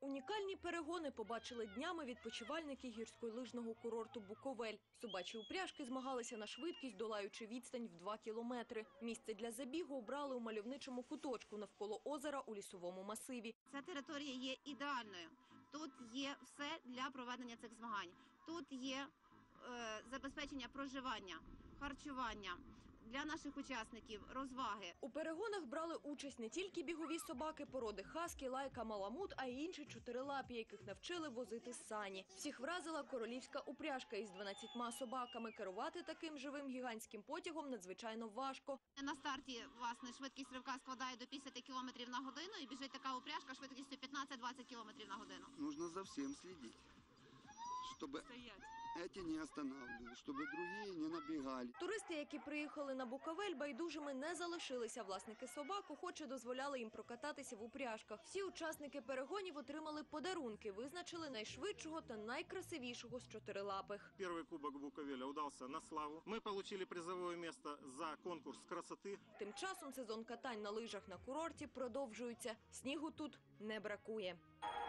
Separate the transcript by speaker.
Speaker 1: Унікальні перегони побачили днями відпочивальники гірськолижного курорту Буковель. Собачі упряжки змагалися на швидкість, долаючи відстань в 2 кілометри. Місце для забігу обрали у мальовничому куточку навколо озера у лісовому масиві.
Speaker 2: Ця територія є ідеальною. Тут є все для проведення цих змагань. Тут є забезпечення проживання, харчування для наших учасників, розваги.
Speaker 1: У перегонах брали участь не тільки бігові собаки породи хаскі, лайка, маламут, а й інші чотирилапі, яких навчили возити сані. Всіх вразила королівська упряжка із 12 собаками. Керувати таким живим гігантським потягом надзвичайно важко.
Speaker 2: На старті, власне, швидкість ривка складає до 50 км на годину і біжить така упряжка швидкістю 15-20 км на годину.
Speaker 3: Нужно за всем следить, чтобы эти не останавливались, чтобы другие не набегали.
Speaker 1: Туристи, які приїхали на Буковель, байдужими не залишилися. Власники собак охоче дозволяли їм прокататися в упряжках. Всі учасники перегонів отримали подарунки, визначили найшвидшого та найкрасивішого з чотирилапих.
Speaker 4: Первый кубок Буковеля удался на славу. Мы получили призовое место за конкурс красоты.
Speaker 1: Тим часом сезон катань на лижах на курорті продовжується. Снігу тут не бракує.